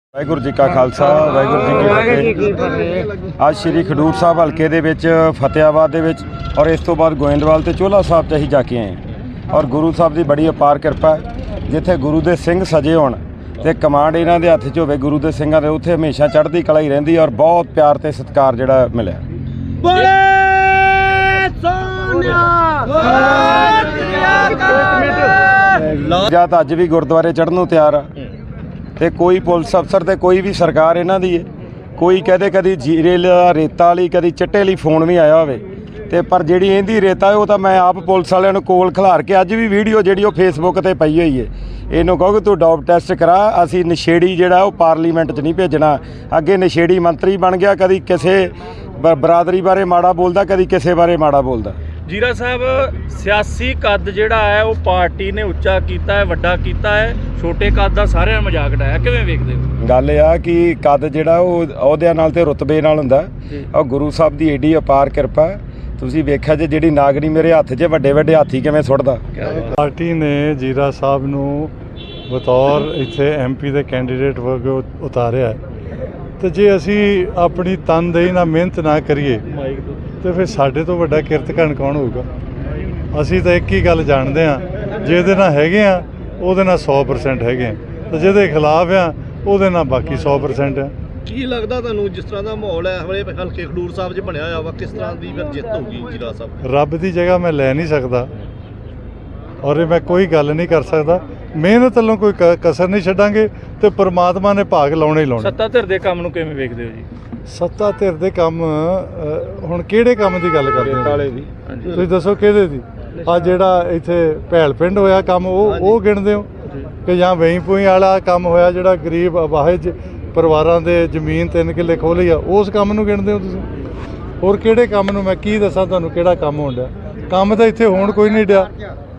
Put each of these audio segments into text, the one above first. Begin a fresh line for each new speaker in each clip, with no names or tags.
ਵਾਹਿਗੁਰੂ ਜੀ ਕਾ ਖਾਲਸਾ ਵਾਹਿਗੁਰੂ ਜੀ ਕੀ ਫਤਿਹ। ਅੱਜ ਸ਼੍ਰੀ ਖਡੂਰ ਸਾਹਿਬ ਹਲਕੇ ਦੇ ਵਿੱਚ ਫਤਿਆਬਾਦ ਦੇ ਵਿੱਚ ਔਰ ਇਸ ਤੋਂ ਬਾਅਦ ਗੋਇੰਦਵਾਲ ਤੇ ਚੋਲਾ ਸਾਹਿਬ 'ਚ ਅਸੀਂ ਜਾ ਕੇ ਆਏ ਔਰ ਗੁਰੂ ਸਾਹਿਬ ਦੀ ਬੜੀ ਅਪਾਰ ਕਿਰਪਾ ਜਿੱਥੇ ਗੁਰੂ ਦੇ ਸਿੰਘ ਸਜੇ ਹੋਣ ਤੇ ਕਮਾਂਡ ਇਹਨਾਂ ਦੇ ਹੱਥ 'ਚ ਹੋਵੇ ਗੁਰੂ ਦੇ ਸਿੰਘਾਂ ਦੇ, ਉੱਥੇ ਹਮੇਸ਼ਾ ਚੜ੍ਹਦੀ ਕਲਾ ਹੀ ਰਹਿੰਦੀ ਔਰ ਬਹੁਤ ਪਿਆਰ ਤੇ ਸਤਿਕਾਰ ਜਿਹੜਾ ਮਿਲਿਆ। ਜਦ ਅੱਜ ਵੀ ਗੁਰਦੁਆਰੇ ਚੜ੍ਹਨ ਨੂੰ ਤਿਆਰ ਆ ਤੇ ਕੋਈ ਪੁਲਿਸ ਅਫਸਰ ਤੇ ਕੋਈ ਵੀ ਸਰਕਾਰ ਇਹਨਾਂ ਦੀ ਹੈ, ਕੋਈ ਕਹਦੇ ਕਦੀ ਜੀਰੇ ਰੇਤਾ ਵਾਲੀ ਕਦੀ ਚਿੱਟੇ ਲਈ ਫੋਨ ਵੀ ਆਇਆ ਹੋਵੇ ਤੇ ਪਰ ਜਿਹੜੀ ਇਹਦੀ ਰੇਤਾ ਉਹ ਤਾਂ ਮੈਂ ਆਪ ਪੁਲਿਸ ਵਾਲਿਆਂ ਨੂੰ ਕੋਲ ਖਿਲਾਰ ਕੇ ਅੱਜ ਵੀ ਵੀਡੀਓ ਜਿਹੜੀ ਉਹ ਫੇਸਬੁੱਕ ਤੇ ਪਈ ਹੋਈ ਹੈ। ਇਹਨੂੰ ਕਹੋ ਕਿ ਤੂੰ ਡੋਪ ਟੈਸਟ ਕਰਾ, ਅਸੀਂ ਨਸ਼ੇੜੀ ਜਿਹੜਾ ਉਹ ਪਾਰਲੀਮੈਂਟ 'ਚ ਨਹੀਂ ਭੇਜਣਾ। ਅੱਗੇ ਨਸ਼ੇੜੀ ਮੰਤਰੀ ਬਣ ਗਿਆ, ਕਦੀ ਕਿਸੇ ਬਰਾਦਰੀ ਬਾਰੇ ਮਾੜਾ ਬੋਲਦਾ, ਕਦੀ ਕਿਸੇ ਬਾਰੇ ਮਾੜਾ ਬੋਲਦਾ।
ਜੀਰਾ ਸਾਹਿਬ ਸਿਆਸੀ ਕੱਦ ਜਿਹੜਾ ਹੈ ਉਹ ਪਾਰਟੀ ਨੇ ਉੱਚਾ ਕੀਤਾ ਹੈ, ਵੱਡਾ ਕੀਤਾ ਹੈ, ਛੋਟੇ ਕੱਦ ਦਾ ਸਾਰਿਆਂ ਮਜ਼ਾਕ ਉਡਾਇਆ, ਕਿਵੇਂ ਵੇਖਦੇ ਹੋ?
ਗੱਲ ਇਹ ਆ ਕਿ ਕੱਦ ਜਿਹੜਾ ਉਹ ਅਹੁਦਿਆਂ ਨਾਲ ਤੇ ਰੁਤਬੇ ਨਾਲ ਹੁੰਦਾ ਔਰ ਗੁਰੂ ਸਾਹਿਬ ਦੀ ਏਡੀ ਅਪਾਰ ਕਿਰਪਾ। ਤੁਸੀਂ ਵੇਖਿਆ ਜੇ ਜਿਹੜੀ ਨਾਗਣੀ ਮੇਰੇ ਹੱਥ 'ਚ ਵੱਡੇ ਵੱਡੇ ਹਾਥੀ ਕਿਵੇਂ ਸੁੱਟਦਾ।
ਪਾਰਟੀ ਨੇ ਜੀਰਾ ਸਾਹਿਬ ਨੂੰ ਬਤੌਰ ਇੱਥੇ MP ਦੇ ਕੈਂਡੀਡੇਟ ਵਜੋਂ ਉਤਾਰਿਆ ਤੇ ਜੇ ਅਸੀਂ ਆਪਣੀ ਤਨਦੇਹੀ ਨਾਲ ਮਿਹਨਤ ਨਾ ਕਰੀਏ ਤੇ ਫਿਰ ਸਾਡੇ ਤੋਂ ਵੱਡਾ ਕਿਰਤਕਣ ਕੌਣ ਹੋਊਗਾ? ਅਸੀਂ ਤਾਂ ਇੱਕ ਹੀ ਗੱਲ ਜਾਣਦੇ ਹਾਂ, ਜਿਹਦੇ ਨਾਲ ਹੈਗੇ ਆ ਉਹਦੇ ਨਾਲ 100% ਹੈਗੇ ਆ ਤੇ ਜਿਹਦੇ ਖਿਲਾਫ ਆ ਉਹਦੇ ਨਾਲ ਬਾਕੀ 100% ਆ।
ਕੀ ਲੱਗਦਾ ਤੁਹਾਨੂੰ ਜਿਸ ਤਰ੍ਹਾਂ ਦਾ ਮਾਹੌਲ ਹੈ ਹਲੇ ਹਲਕੇ ਖਡੂਰ ਸਾਹਿਬ 'ਚ ਬਣਿਆ ਹੋਇਆ ਵਾ, ਕਿਸ ਤਰ੍ਹਾਂ ਦੀ ਫਿਰ ਜਿੱਤ ਹੋਊਗੀ ਜੀਰਾ ਸਾਹਿਬ?
ਰੱਬ ਦੀ ਜਗ੍ਹਾ ਮੈਂ ਲੈ ਨਹੀਂ ਸਕਦਾ ਔਰ ਇਹ ਮੈਂ ਕੋਈ ਗੱਲ ਨਹੀਂ ਕਰ ਸਕਦਾ। ਮਿਹਨਤ ਵੱਲੋਂ ਕੋਈ ਕਸਰ ਨਹੀਂ ਛੱਡਾਂਗੇ ਤੇ ਪ੍ਰਮਾਤਮਾ ਨੇ ਭਾਗ ਲਾਉਣੇ ਹੀ ਲਾਉਣੇ।
ਸੱਤਾ ਧਿਰ ਦੇ ਕੰਮ ਨੂੰ ਕਿਵੇਂ ਵੇਖਦੇ ਹੋ ਜੀ?
ਸੱਤਾ ਧਿਰ ਦੇ ਕੰਮ ਹੁਣ ਕਿਹੜੇ ਕੰਮ ਦੀ ਗੱਲ ਕਰਦੇ ਹੋ ਤੁਸੀਂ ਦੱਸੋ, ਕਿਹਦੇ ਦੀ? ਆ ਜਿਹੜਾ ਇੱਥੇ ਭੈਲ ਪਿੰਡ ਹੋਇਆ ਕੰਮ ਉਹ ਗਿਣਦੇ ਹੋ ਕਿ ਜਾਂ ਵੇਈ ਪੂਈ ਵਾਲਾ ਕੰਮ ਹੋਇਆ ਜਿਹੜਾ ਗਰੀਬ ਅਵਾਹਜ ਪਰਿਵਾਰਾਂ ਦੇ ਜ਼ਮੀਨ 3 ਕਿੱਲੇ ਖੋਹ ਲਈ ਆ, ਉਸ ਕੰਮ ਨੂੰ ਗਿਣਦੇ ਹੋ ਤੁਸੀਂ? ਹੋਰ ਕਿਹੜੇ ਕੰਮ ਨੂੰ? ਮੈਂ ਕੀ ਦੱਸਾਂ ਤੁਹਾਨੂੰ ਕਿਹੜਾ ਕੰਮ ਹੋਣ ਡਿਆ? ਕੰਮ ਤਾਂ ਇੱਥੇ ਹੋਣ ਕੋਈ ਨਹੀਂ ਡਿਆ।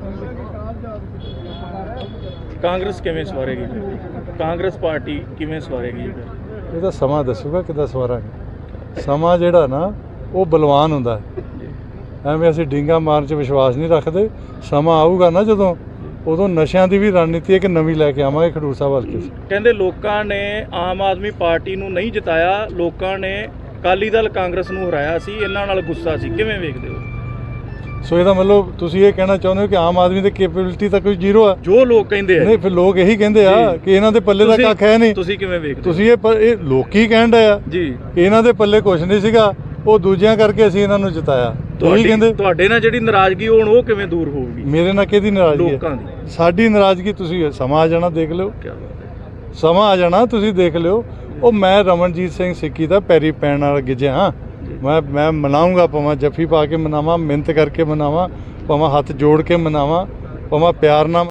ਕਾਂਗਰਸ ਕਿਵੇਂ ਸਵਾਰੇਗੀ? ਕਾਂਗਰਸ ਪਾਰਟੀ ਕਿਵੇਂ ਸਵਾਰੇਗੀ?
ਇਹਦਾ ਸਮਾਂ ਦੱਸੂਗਾ ਕਿੱਦਾਂ ਸਵਾਰਾਂਗੇ। ਸਮਾਂ ਜਿਹੜਾ ਨਾ ਉਹ ਬਲਵਾਨ ਹੁੰਦਾ ਹੈ, ਐਵੇਂ ਅਸੀਂ ਡਿੰਗਾ ਮਾਰਨ 'ਚ ਵਿਸ਼ਵਾਸ ਨਹੀਂ ਰੱਖਦੇ। ਸਮਾਂ ਆਊਗਾ ਨਾ ਜਦੋਂ, ਉਦੋਂ ਨਸ਼ਿਆਂ ਦੀ ਵੀ ਰਣਨੀਤੀ ਹੈ ਕਿ ਨਵੀਂ ਲੈ ਕੇ ਆਵਾਂਗੇ ਖਡੂਰ ਸਾਹਿਬ ਹਲਕੇ 'ਚ।
ਕਹਿੰਦੇ ਲੋਕਾਂ ਨੇ ਆਮ ਆਦਮੀ ਪਾਰਟੀ ਨੂੰ ਨਹੀਂ ਜਿਤਾਇਆ, ਲੋਕਾਂ ਨੇ ਅਕਾਲੀ ਦਲ ਕਾਂਗਰਸ ਨੂੰ ਹਰਾਇਆ ਸੀ, ਇਹਨਾਂ ਨਾਲ ਗੁੱਸਾ ਸੀ, ਕਿਵੇਂ ਵੇਖਦੇ ਹੋ?
ਸੋ ਇਹਦਾ ਮਤਲਬ ਤੁਸੀਂ ਇਹ ਕਹਿਣਾ ਚਾਹੁੰਦੇ ਹੋ ਕਿ ਆਮ ਆਦਮੀ ਦੀ ਕੈਪੇਬਿਲਿਟੀ ਤਾਂ ਕੋਈ ਜ਼ੀਰੋ ਆ?
ਜੋ ਲੋਕ ਕਹਿੰਦੇ ਆ।
ਨਹੀਂ, ਫਿਰ ਲੋਕ ਇਹੀ ਕਹਿੰਦੇ ਆ ਕਿ ਇਹਨਾਂ ਦੇ ਪੱਲੇ ਦਾ ਕੱਖ ਹੈ ਨਹੀਂ।
ਤੁਸੀਂ ਕਿਵੇਂ ਵੇਖਦੇ?
ਤੁਸੀਂ ਇਹ ਲੋਕੀ ਕਹਿਣ ਡਏ ਆ
ਜੀ
ਕਿ ਇਹਨਾਂ ਦੇ ਪੱਲੇ ਕੁਝ ਨਹੀਂ ਸੀਗਾ, ਉਹ ਦੂਜਿਆਂ ਕਰਕੇ ਅਸੀਂ ਇਹਨਾਂ ਨੂੰ ਜਿਤਾਇਆ। ਤੁਸੀਂ ਕਹਿੰਦੇ
ਤੁਹਾਡੇ ਨਾਲ ਜਿਹੜੀ ਨਾਰਾਜ਼ਗੀ ਹੁਣ ਉਹ ਕਿਵੇਂ ਦੂਰ ਹੋਊਗੀ?
ਮੇਰੇ ਨਾਲ ਕਿਹਦੀ ਨਾਰਾਜ਼ਗੀ ਹੈ?
ਲੋਕਾਂ ਦੀ।
ਸਾਡੀ ਨਾਰਾਜ਼ਗੀ ਤੁਸੀਂ ਸਮਾਂ ਆ ਜਾਣਾ ਦੇਖ ਲਿਓ, ਸਮਾਂ ਆ ਜਾਣਾ ਤੁਸੀਂ ਦੇਖ ਲਿਓ। ਉਹ ਮੈਂ ਰਮਨਜੀਤ ਸਿੰਘ ਸਿੱਕੀ ਦਾ ਪੈਰੀ ਪੈਣ ਨਾਲ ਗਿੱਜਿਆ ਹਾਂ। ਮੈਂ ਮਨਾਊਂਗਾ, ਭਾਵੇਂ ਜੱਫੀ ਪਾ ਕੇ ਮਨਾਵਾਂ, ਮਿਹਨਤ ਕਰਕੇ ਮਨਾਵਾਂ, ਭਾਵੇਂ ਹੱਥ ਜੋੜ ਕੇ ਮਨਾਵਾਂ, ਭਾਵੇਂ ਪਿਆਰ ਨਾਲ